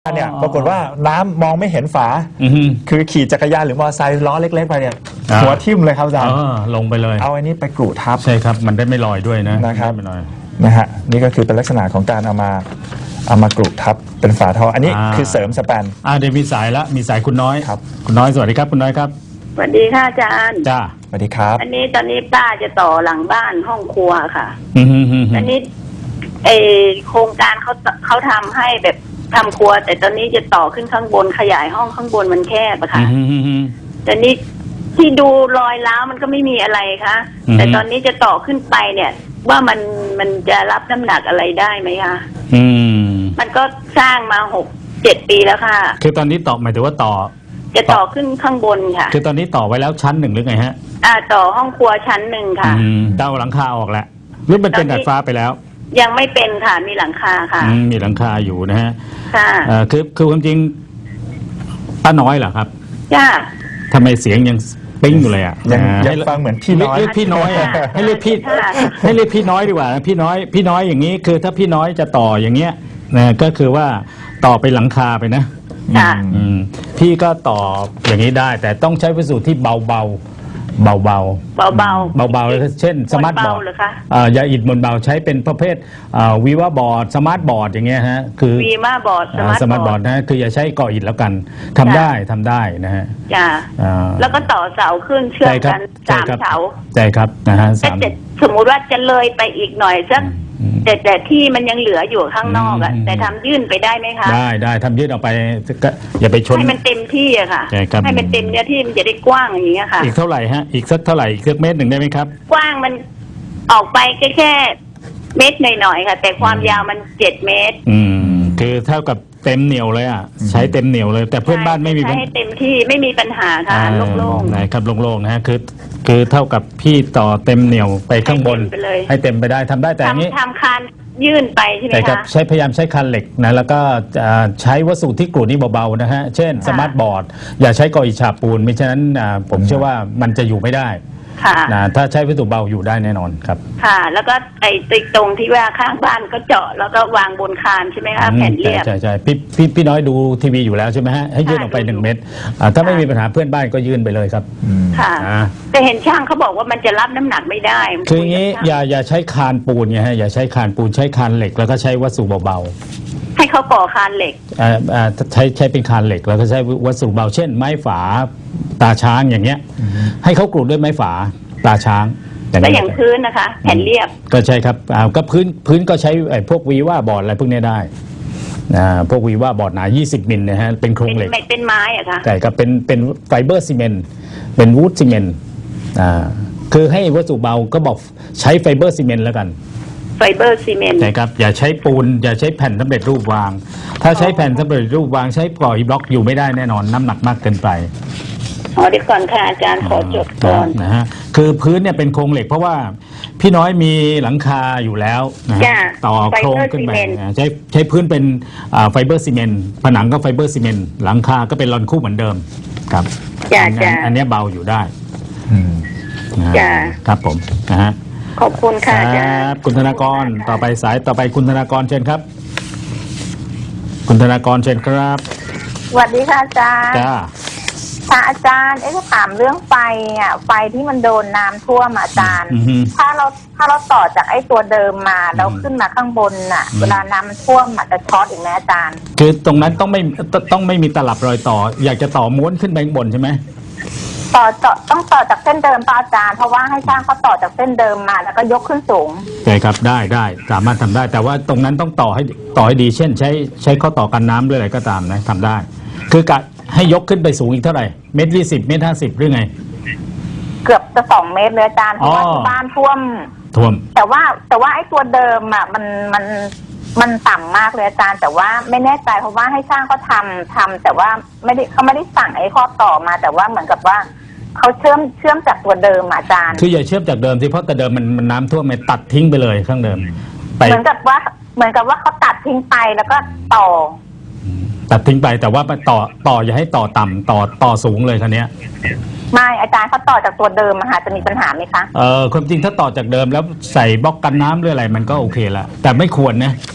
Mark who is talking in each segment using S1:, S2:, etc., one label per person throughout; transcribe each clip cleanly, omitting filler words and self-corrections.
S1: เนี่ยปรากฏว่าน้ำมองไม่เห็นฝาคือขี่จักรยานหรือมอเตอร์ไซค์ล้อเล็กๆไปเนี่ยหัวทิ่มเลยครับอาจารย์
S2: ลงไปเลย
S1: เอาอันนี้ไปกรูทับ
S2: ใช่ครับมันได้ไม่ลอยด้วย
S1: นะครับนะฮะนี่ก็คือเป็นลักษณะของการเอามากรูทับเป็นฝาท่ออันนี้คือเสริมสแปน
S2: เดี๋ยวมีสายละมีสายคุณน้อยครับคุณน้อยสวัสดีครับคุณน้อยครับ
S3: สวัสดีค่ะอาจารย์
S2: จ้า
S1: สวัสดีครับ
S3: ตอนนี้ป้าจะต่อหลังบ้านห้องครัวค่ะอันนี้โครงการเขาทำให้แบบทำครัวแต่ตอนนี้จะต่อขึ้นข้างบนขยายห้องข้างบนมันแคบอะค่ะตอนนี้ที่ดูรอยร้าวมันก็ไม่มีอะไรคะแต่ตอนนี้จะต่อขึ้นไปเนี่ยว่ามันจะรับน้ำหนักอะไรได้ไหมคะมันก็สร้างมา6-7 ปีแล้วค่ะ
S2: คือตอนนี้ต่อหมายถึงว่า
S3: จะต่อขึ้นข้างบนค่ะ
S2: คือตอนนี้ต่อไว้แล้วชั้น1หรือไงฮะ
S3: ต่อห้องครัวชั้น1ค่ะ
S2: เต้าหลังคาออกแล้วหรือมันเป็นดาดฟ้าไปแล้ว
S3: ยังไม่เป็นค่ะมีหลังคาค่ะ
S2: มีหลังคาอยู่นะฮะ
S3: ค่ะ
S2: คือความจริงป้าน้อยเหรอครับ
S3: จ้า
S2: ทำไมเสียงยังปิ้งอยู่เลย
S1: ยังฟังเหมือนพี่น้อย
S2: เรียกพี่น้อยให้เรียกพี่น้อยดีกว่าพี่น้อยอย่างนี้คือถ้าพี่น้อยจะต่ออย่างเงี้ยนะก็คือว่าต่อไปหลังคาไปนะพี่ก็ต่ออย่างนี้ได้แต่ต้องใช้วัสดุที่เบาเลยเช่นสมาร์ทบอร์ดอย่าอิฐบนเบาใช้เป็นประเภทวีวาบอร์ดสมาร์ทบอร์ดอย่างเงี้ยฮะคือ
S3: วีวาบอร์ด
S2: สมาร์ทบอร์ดนะคืออย่าใช้ก่ออิฐแล้วกันทำได้นะฮะ
S3: จ้าแล้วก็ต่อเสาขึ้นเชื่อมกัน3 เสา
S2: ใช่ครับนะฮะ
S3: สมมุติว่าจะเลยไปอีกหน่อยสักแต่ที่มันยังเหลืออยู่ข้างนอกอะแต่ทำยื่นไปได้ไหมคะ
S2: ได้ทำยื่นออกไปอย่าไปชน
S3: ให้มันเต็มที่อะค่ะให้มันเต็มเนื้อที่มันจะได้กว้างอย่างเงี้ยค่ะ
S2: อีกเท่าไหร่ฮะอีกสักเท่าไหร่อีกสักเมตร1ได้ไหมครับ
S3: กว้างมันออกไปแค่เมตรหน่อยๆค่ะแต่ความยาวมัน7 เมตร
S2: คือเท่ากับเต็มเหนียวเลยอ่ะใช้เต็มเหนียวเลยแต่เพื่อนบ้านไม่มี
S3: ใช้ให้เต็มที่ไม่มีปัญหาค่ะโล่ง
S2: ๆนะครับโล่งๆนะฮะคือเท่ากับพี่ต่อเต็มเหนียวไปข้างบนให้เต็มไปได้ทำได้แต่อย่างนี้
S3: ทำคานยื่นไปใช่ไหมคะ
S2: พยายามใช้คานเหล็กนะแล้วก็ใช้วัสดุที่กรูดนี่เบาๆนะฮะเช่นสมาร์ทบอร์ดอย่าใช้ก่ออิฐฉาบปูนไม่ฉะนั้นผมเชื่อว่ามันจะอยู่ไม่ได้นะถ้าใช้วัสดุเบาอยู่ได้แน่นอนครับ
S3: ค่ะแล้วก็ตรงที่ว่าข้างบ้านก็เจาะแล้วก็วางบนคานใช่ไหมคะแผ่นเรียบ
S2: ใช่พี่น้อยดูทีวีอยู่แล้วใช่ไหมฮะให้ยื่นออกไป1 เมตรถ้าไม่มีปัญหาเพื่อนบ้านก็ยื่นไปเลยครับ
S3: ค่ะแต่เห็นช่างเขาบอกว่ามันจะรับน้ำหนักไม่ได้
S2: คืออย่างนี้อย่าใช้คานปูนไงฮะอย่าใช้คานปูนใช้คานเหล็กแล้วก็ใช้วัสดุเบา
S3: ๆให้เขาก่อคานเหล็ก
S2: ใช้เป็นคานเหล็กแล้วก็ใช้วัสดุเบาเช่นไม้ฝาตาช้างอย่างเงี้ยให้เขากรูดด้วยไม้ฝาตาช้าง
S3: แล้วอย่างพื้นนะคะแผ่นเรียบ
S2: ก็ใช่ครับก็พื้นก็ใช้พวกวีว่าบอร์ดอะไรพวกนี้ได้พวกวีว่าบอร์ดหนา20 มิลนะฮะเป็นโครงเหล็ก
S3: เป็นไม้อะคะ
S2: ใช่ครับเป็นไฟเบอร์ซีเมนต์เป็นวูดซีเมนต์คือให้วัสดุเบาก็บอกใช้ไฟเบอร์ซีเมนต์แล้วกัน
S3: ไฟเบอร์ซีเมนต์
S2: ใช่ครับอย่าใช้ปูนอย่าใช้แผ่นสำเร็จรูปวางถ้าใช้แผ่นสำเร็จรูปวางใช้ก่ออิฐบล็อกอยู่ไม่ได้แน่นอนน้ำหนักมากเกินไป
S3: เดี๋ยวก่อนค่ะอาจารย์ขอจดก่อน
S2: นะฮะคือพื้นเนี่ยเป็นโครงเหล็กเพราะว่าพี่น้อยมีหลังคาอยู่แล้วนะต่อโครงขึ้นไปใช้พื้นเป็นไฟเบอร์ซีเมนต์ผนังก็ไฟเบอร์ซีเมนต์หลังคาก็เป็นลอนคู่เหมือนเดิมครับอันนี้เบาอยู่ได้ครับผมนะฮะ
S3: ขอบคุณค่ะอาจารย์
S2: คุณธนากรต่อไปสายต่อไปคุณธนากรเชิญครับคุณธนากรเชิญครับ
S4: สวัสดีค่ะอาจารย์
S2: จ้า
S4: ค่ะอาจารย์จะถามเรื่องไฟไฟที่มันโดนน้ำท่วมอาจารย์ถ้าเราต่อจากไอ้ตัวเดิมมาแล้วขึ้นมาข้างบนเวลาน้ำท่วมจะช็อตอีกไหมอาจารย์
S2: คือตรงนั้นต้องไม่มีตลับรอยต่ออยากจะต่อม้วนขึ้นไปข้างบนใช่ไหม
S4: ต้องต่อจากเส้นเดิมป่ะอาจารย์เพราะว่าให้ช่างเขาต่อจากเส้นเดิมมาแล้วก็ยกขึ้นสูง
S2: ใช่ครับได้สามารถทำได้แต่ว่าตรงนั้นต้องต่อให้ดีเช่นใช้ข้อต่อกันน้ำหรืออะไรก็ตามนะทำได้คือกะให้ยกขึ้นไปสูงอีกเท่าไหร่1.20 เมตร 50หรือไง
S4: เกือบจะ2 เมตรเลยอาจารย์เพราะว่าที่บ้านท่วมแต่ว่าไอ้ตัวเดิมมันต่ำมากเลยอาจารย์แต่ว่าไม่แน่ใจเพราะว่าให้ช่างเขาทำแต่ว่าเขาไม่ได้สั่งไอ้ข้อต่อมาแต่ว่าเหมือนกับว่าเขาเชื่อมจากตัวเดิมอาจารย์
S2: คืออย่าเชื่อมจากเดิมที่เพราะแต่เดิมมันน้ำท่วมมันตัดทิ้งไปเลยข้างเดิม
S4: เหมือนกับว่าเขาตัดทิ้งไปแล้วก็ต่อ
S2: ตัดทิ้งไปแต่ว่าต่ออย่าให้ต่อต่ำต่อสูงเลยคันนี้
S4: ไม่อาจารย์เขาต่อจากตัวเดิมจะมีปัญหาไหมคะ
S2: ความจริงถ้าต่อจากเดิมแล้วใส่บล็อกกันน้ำหรืออะไรมันก็โอเคละแต่ไม่ควรนะ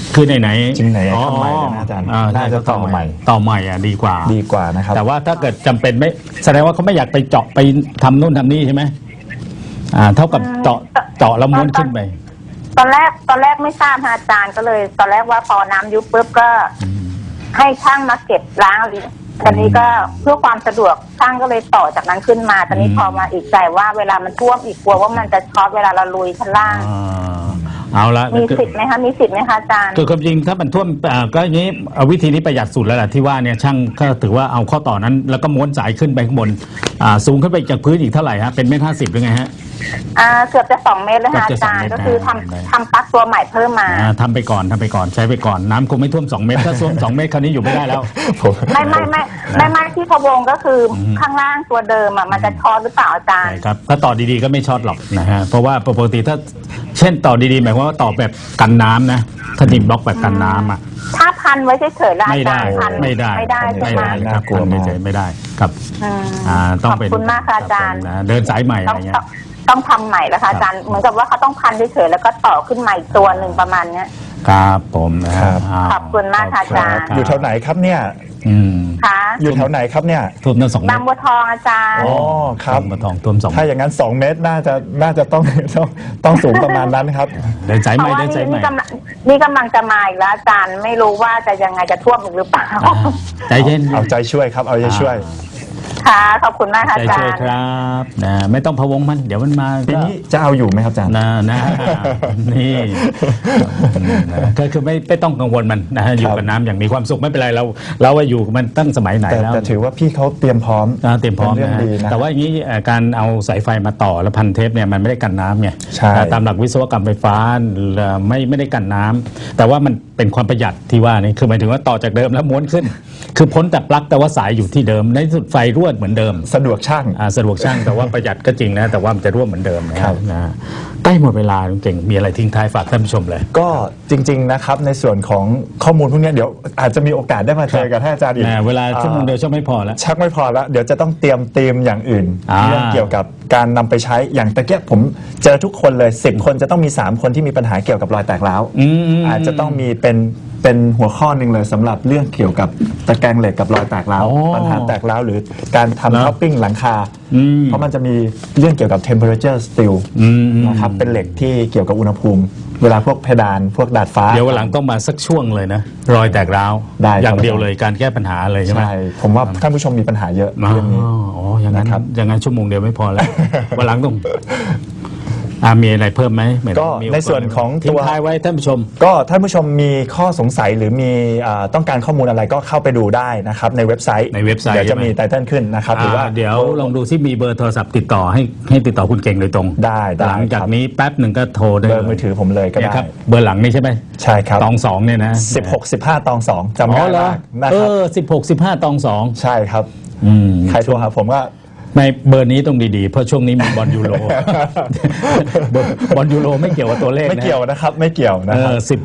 S2: คือไหน
S1: จริงไหนทำใหม่เลยนะอาจารย์น่าจะต่อใหม่
S2: ต่อใหม่ดีกว่า
S1: ดีกว่านะครับ
S2: แต่ว่าถ้าเกิดจำเป็นไม่แสดงว่าเขาไม่อยากไปเจาะไปทำนู่นทำนี่ใช่ไหมเท่ากับเจาะแล้วม้วนขึ้นไป
S4: ตอนแรกไม่ทราบอาจารย์ก็เลย ตอนแรกว่าพอน้ำยุบปุ๊บก็ให้ช่างมาเก็บล้างตอนนี้ก็เพื่อความสะดวกช่างก็เลยต่อจากนั้นขึ้นมาตอนนี้พอมาอีกใจว่าเวลามันท่วมอีกกลัวว่ามันจะช็อตเวลาเราลุยชั้นล่าง
S2: เอาละ
S4: มีสิทธิ์ไหมคะมีสิทธิ์ไหมคะอาจารย์
S2: คือความจริงถ้ามันท่วมก็อย่างนี้วิธีนี้ประหยัดสุดแล้วแหละที่ว่าเนี่ยช่างก็ถือว่าเอาข้อต่อนั้นแล้วก็ม้วนสายขึ้นไปข้างบนสูงขึ้นไปจากพื้นอีกเท่าไหร่ฮะเป็นเมตร50หรือไงฮะ
S4: เกือบจะ2 เมตรแล้วค่ะอาจารย์ก็คือทำปลั๊กตัวใหม่เพิ่มมา
S2: ทำไปก่อนใช้ไปก่อนน้ำคงไม่ท่วม2 เมตรถ้าท่วม2 เมตรคราวนี้อยู่ไม่ได้แล้ว
S4: ไม่ที่พะวงก็คือข้างล่างตัวเดิมมันจะช็อตหรือเปล่าอาจารย์
S2: ครับถ้าต่อดีๆก็ไม่ช็อตหรอกนะฮะเพราะว่าปกติถ้าเช่นต่อดีๆหมายความว่าต่อแบบกันน้ำนะถ้าดินบล็อกแบบกันน้ำ
S4: ถ้าพันไว้เฉยๆแล้ว
S2: ไม่ได้ครับกลัวไม่ได้ครับต้องเป็น
S4: ขอบคุณมากค่ะอาจารย์
S2: เดินสายใหม่อะไรเงี้ย
S4: ต้องทำใหม่แล้วค่ะอาจารย์เหมือนกับว่าเขาต้องพันเฉยๆแล้วก็ต่อขึ้นใหม่ตัวหนึ่งประมาณเนี้ย
S2: ครับผมนะครับ
S4: ขอบคุณมากค่ะอาจารย์
S1: อยู่แถวไหนครับเนี่ย
S4: ค่ะ
S1: อยู่แถวไหนครับเนี่ย
S2: ท่วมตั้ง2 เมตร
S4: บางบัวทองอาจารย์
S1: อ๋อครับ
S2: บางบัวทองท่วม2
S1: ถ้าอย่างนั้น2 เมตรน่าจะต้องสูงประมาณนั้นครับ
S2: เดินสายใหม่
S4: นี่กำลังจะมาอีกแล้วอาจารย์ไม่รู้ว่าจะยังไงจะท่วมอีกหรือเปล่า
S2: ใจเย็น
S1: เอาใจช่วยครับเอาใจช่วย
S4: ค่ะขอบคุณมากค่ะอาจารย์
S2: ใจช่วยครับไม่ต้องพะวงมันเดี๋ยวมันมา
S1: ปีนี้จะเอาอยู่ไหมครับอาจารย์
S2: นี่ก็คือไม่ต้องกังวลมันนะฮะอยู่กับน้ำอย่างมีความสุขไม่เป็นไรเราว่าอยู่มันตั้งสมัยไหนแล้ว
S1: แต่ถือว่าพี่เขาเตรียมพร้อม
S2: นะแต่ว่าอย่างนี้การเอาสายไฟมาต่อแล้วพันเทปเนี่ยมันไม่ได้กันน้ำไงตามหลักวิศวกรรมไฟฟ้าไม่ได้กันน้ำแต่ว่ามันเป็นความประหยัดที่ว่านี่คือหมายถึงว่าต่อจากเดิมแล้วม้วนขึ้นคือพ้นแต่ปลั๊กแต่ว่าสายอยู่ที่เดิมในสุดไฟรั่วเหมือนเดิม
S1: สะดวกช่าง
S2: แต่ว่าประหยัดก็จริงนะแต่ว่ามันจะรั่วเหมือนเดิมนะครับนะใกล้หมดเวลาเก่งมีอะไรทิ้งท้ายฝากท่านผู้ชมเลย
S1: ก็จริงๆนะครับในส่วนของข้อมูลพวกนี้เดี๋ยวอาจจะมีโอกาสได้มาเจอกับท่านอาจารย์อีก
S2: เวลาชั่วโมงเดียวชักไม่พอแล้ว
S1: เดี๋ยวจะต้องเตรียมธีมอย่างอื่นเรื่องเกี่ยวกับการนำไปใช้อย่างตะเกียบผมเจอทุกคนเลย10 คนจะต้องมี3 คนที่มีปัญหาเกี่ยวกับรอยแตกร้าวอาจจะต้องมีเป็นหัวข้อหนึ่งเลยสำหรับเรื่องเกี่ยวกับตะแกรงเหล็กกับรอยแตกร้าวปัญหาแตกร้าวหรือการทำท็อปปิ้งหลังคาเพราะมันจะมีเรื่องเกี่ยวกับ temperature steel นะครับเป็นเหล็กที่เกี่ยวกับอุณหภูมิเวลาพวกเพดานพวกดาดฟ้า
S2: เดี๋ยววันหลังต้องมาสักช่วงเลยนะรอยแตกร้าวอย่างเดียวเลยการแก้ปัญหาเลยใช่ไหม
S1: ใช่ผมว่าท่านผู้ชมมีปัญหาเยอะเรื่องนี้
S2: อย่างนั้นชั่วโมงเดียวไม่พอแล้ววันหลังต้องมีอะไรเพิ่มไหม
S1: ก็ในส่วนของ
S2: ทิ้งท้ายไว้ท่านผู้ชม
S1: ก็ท่านผู้ชมมีข้อสงสัยหรือมีต้องการข้อมูลอะไรก็เข้าไปดูได้นะครับในเว็บไซต์เดี๋ยวจะมีไตเติ้ลขึ้นนะครับหรือว่า
S2: เดี๋ยวลองดูที่มีเบอร์โทรศัพท์ติดต่อให้ติดต่อคุณเก่งโดยตรง
S1: ได้
S2: หลังจากนี้แป๊บหนึ่งก็โทรได้
S1: เบอร์มือถือผมเลยก็ได้
S2: ครับเบอร์หลังนี่ใช่ไหม
S1: ใช่ครับ
S2: ตอง2เนี่ยนะ
S1: 16 15ตอง2จำได้
S2: นะครับ16 15ตอง2
S1: ใช่ครับใครโทรหาผมก็
S2: ในเบอร์นี้ต้องดีๆเพราะช่วงนี้มีบอลยูโรบอลยูโรไม่เกี่ยวกับตัวเลขนะ
S1: ไม่เกี่ยวนะครับไม่เกี่ยวนะครับ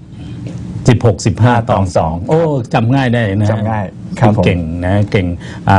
S2: 16 15ตอง2โอ้จำง่ายได้นะ
S1: จำง่าย
S2: เก่งนะเก่ง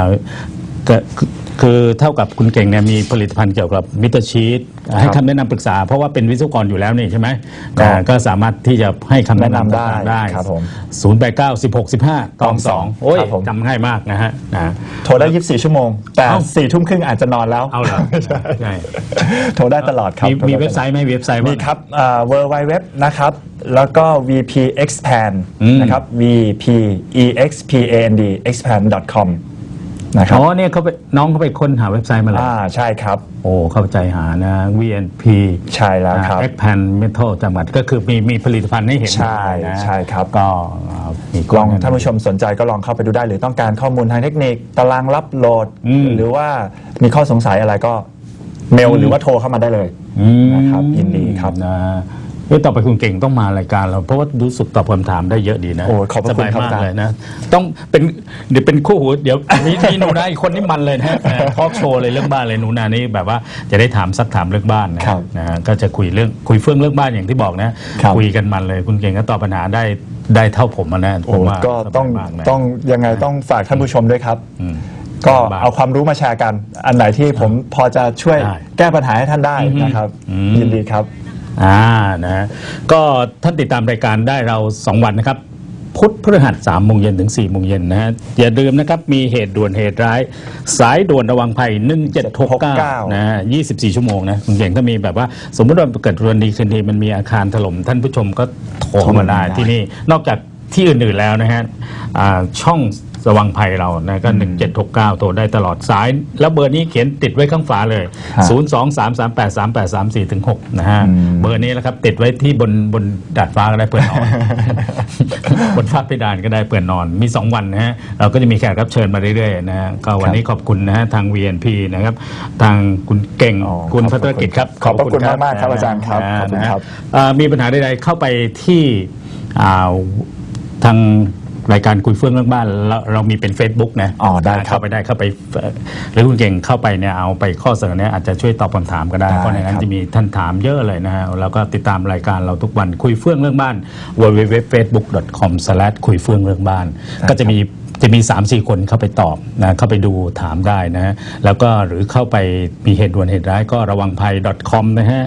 S2: คือเท่ากับคุณเก่งเนี่ยมีผลิตภัณฑ์เกี่ยวกับมิเตอร์ชีตให้คำแนะนำปรึกษาเพราะว่าเป็นวิศวกรอยู่แล้วนี่ใช่ไหมก็สามารถที่จะให้คำแนะนำได้
S1: ครับผม
S2: 089 16 15ตอง2โอ้ยจำง่ายมากนะฮะ
S1: โทรได้24 ชั่วโมงแต่4 ทุ่มครึ่งอาจจะนอนแล้ว
S2: เอาเหรอใช่
S1: โทรได้ตลอดครับ
S2: มีเว็บไซต์ไหมเว็บไซต์
S1: มีครับwww นะครับแล้วก็ VP Expand นะครับ VP EXPAND expand.comนะครับ
S2: เนี่ยน้องเขาไปค้นหาเว็บไซต์มาแล้ว
S1: ใช่ครับ
S2: โอ้เข้าใจหานะ VNP
S1: ใช่แล้วครับ
S2: Expand Metal จังหวัดก็คือมีผลิตภัณฑ์ให้เห็น
S1: ใช่ครับ
S2: ก็มี
S1: ลองท่านผู้ชมสนใจก็ลองเข้าไปดูได้หรือต้องการข้อมูลทางเทคนิคตารางรับโหลดหรือว่ามีข้อสงสัยอะไรก็เมลหรือว่าโทรเข้ามาได้เลยนะครับยินดีครับ
S2: ต่อไปคุณเก่งต้องมารายการเราเพราะว่ารู้สึกตอบคำถามได้เยอะดีนะ
S1: สบาย
S2: มากเลยนะต้องเดี๋ยวเป็นคู่หูเดี๋ยวมีหนูนาอีกคนนี่มันเลยนะทอล์กโชว์เลยเรื่องบ้านเลยหนูนานี่แบบว่าจะได้ซักถามเรื่องบ้านนะก็จะคุยเรื่องบ้านอย่างที่บอกนะคุยกันมันเลยคุณเก่งก็ตอบปัญหาได้เท่าผมนะ
S1: ผมว่าก็ต้องยังไงต้องฝากท่านผู้ชมด้วยครับก็เอาความรู้มาแชร์กันอันไหนที่ผมพอจะช่วยแก้ปัญหาให้ท่านได้นะครับยินดีครับ
S2: นะก็ท่านติดตามรายการได้เรา2 วันนะครับพุธพฤหัส3 โมงเย็นถึง4 โมงเย็นนะฮะอย่าลืมนะครับมีเหตุด่วนเหตุร้ายสายด่วนระวังภัย1769นะฮะ24 ชั่วโมงนะคุณเก่งถ้ามีแบบว่าสมมติว่าเกิดวันดีคืนดีมันมีอาคารถล่มท่านผู้ชมก็โทรมาได้ที่นี่นอกจากที่อื่นๆแล้วนะฮะช่องระวังภัยเรานะก็1769โทรได้ตลอดสายแล้วเบอร์นี้เขียนติดไว้ข้างฝาเลย023383834-6นะฮะเบอร์นี้แหละครับติดไว้ที่บนดาดฟ้าก็ได้เปิดนอน บนฝ้าเพดานก็ได้เปิดนอนมี2 วันนะฮะเราก็จะมีแขกรับเชิญมาเรื่อยๆนะฮะก็วันนี้ขอบคุณนะฮะทาง VNP นะครับทางคุณเก่งคุณพัฒรกิจครับ
S1: ขอบคุณมากๆครับอาจารย์ครับขอบคุณครับ
S2: มีปัญหาใดๆเข้าไปที่ทางรายการคุยเฟื่องเรื่องบ้านเรามีเป็น Facebook นะ
S1: ได้
S2: เข้าไปหรือคุณเก่งเข้าไปเนี่ยเอาไปข้อเสนอเนี่ยอาจจะช่วยตอบคำถามก็ได้เพราะในนั้นจะมีท่านถามเยอะเลยนะฮะแล้วก็ติดตามรายการเราทุกวันคุยเฟื่องเรื่องบ้าน www.facebook.com/ คุยเฟื่องเรื่องบ้านก็จะมี 3-4 คนเข้าไปตอบนะเข้าไปดูถามได้นะฮะแล้วก็หรือเข้าไปมีเหตุด่วนเหตุร้ายก็ระวังภัย .com นะฮะ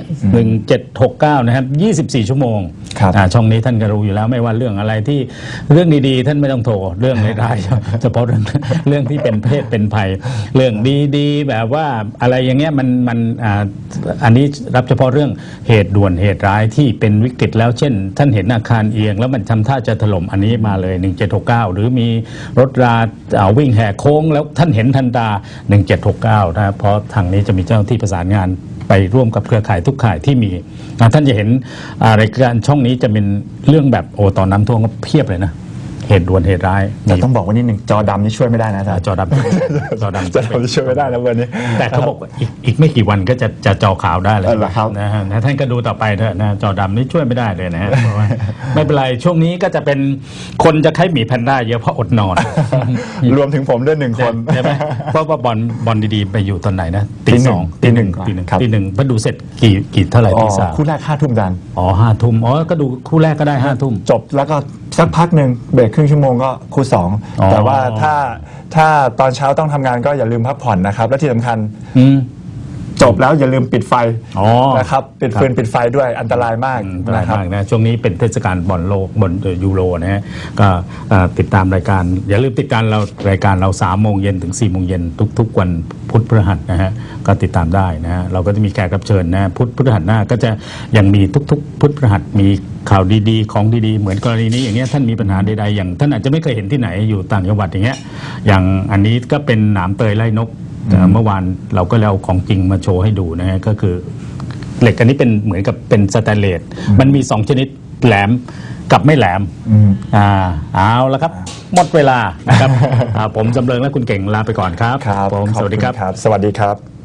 S2: 1769นะครับ24 ชั่วโมงช่องนี้ท่านก็รู้อยู่แล้วไม่ว่าเรื่องอะไรที่เรื่องดีๆท่านไม่ต้องโทรเรื่องร้ายๆเฉพาะเรื่องที่เป็นเพศเป็นภัยเรื่องดีๆแบบว่าอะไรอย่างเงี้ยมันอันนี้รับเฉพาะเรื่องเหตุด่วนเหตุร้ายที่เป็นวิกฤตแล้วเช่นท่านเห็นอาคารเอียงแล้วมันทำท่าจะถล่มอันนี้มาเลย1769หรือมีรถราวิ่งแหกโค้งแล้วท่านเห็นทันตา1769นะเพราะทางนี้จะมีเจ้าหน้าที่ประสานงานไปร่วมกับเครือข่ายทุกข่ายที่มีท่านจะเห็นรายการช่องนี้จะเป็นเรื่องแบบตอนน้ำท่วมก็เพียบเลยนะเหตุด่วนเหตุร้าย
S1: แต่ต้องบอกว่านิดหนึ่งจอดำนี่ช่วยไม่ได้นะ
S2: จอดำ
S1: ช่วยไม่ได้นะวันนี้
S2: แต่เขาบอกอีกไม่กี่วันก็จะจอขาวได้เลยนะฮะท่านก็ดูต่อไปเถอะนะจอดำนี่ช่วยไม่ได้เลยนะฮะไม่เป็นไรช่วงนี้ก็จะเป็นคนจะใช้หมีแพนด้าเยอะเพราะอดนอน
S1: รวมถึงผมด้วย1 คน
S2: ใช่ไหมเพราะว่าบอลดีๆไปอยู่ตอนไหนนะตี 2 ตี 1พอดูเสร็จกี่เท่าไหร่ตี 3
S1: คู่แรก5 ทุ่มดัน
S2: 5 ทุ่มก็ดูคู่แรกก็ได้5 ทุ่ม
S1: จบแล้วก็สักพักหนึ่งเบรกครึ่งชั่วโมงก็คู่2แต่ว่าถ้าตอนเช้าต้องทำงานก็อย่าลืมพักผ่อนนะครับและที่สำคัญจบแล้วอย่าลืมปิดไฟนะครับปิดฟืนปิดไฟด้วยอันตรายมากนะครับ
S2: ช่วงนี้เป็นเทศกาลบอลโลกบอลยูโรนะฮะก็ติดตามรายการอย่าลืมติดตามรายการเรา3 โมงเย็นถึง4 โมงเย็นทุกวันพุธพฤหัสนะฮะก็ติดตามได้นะฮะเราก็จะมีแขกรับเชิญนะพุธพฤหัสหน้าก็จะยังมีทุกพุธพฤหัสมีข่าวดีๆของดีๆเหมือนกรณีนี้อย่างเงี้ยท่านมีปัญหาใดๆอย่างท่านอาจจะไม่เคยเห็นที่ไหนอยู่ต่างจังหวัดอย่างเงี้ยอย่างอันนี้ก็เป็นหนามเตยไล่นกเมื่อวานเราก็เอาของจริงมาโชว์ให้ดูนะฮะก็คือเหล็กอันนี้เป็นเหมือนกับเป็นสแตนเลสมันมี2 ชนิดแหลมกับไม่แหลมเอาละครับหมดเวลานะครับผมจำเริงและคุณเก่งลาไปก่อนครับ
S1: ผมสวัสดีครับสวัสดีครับ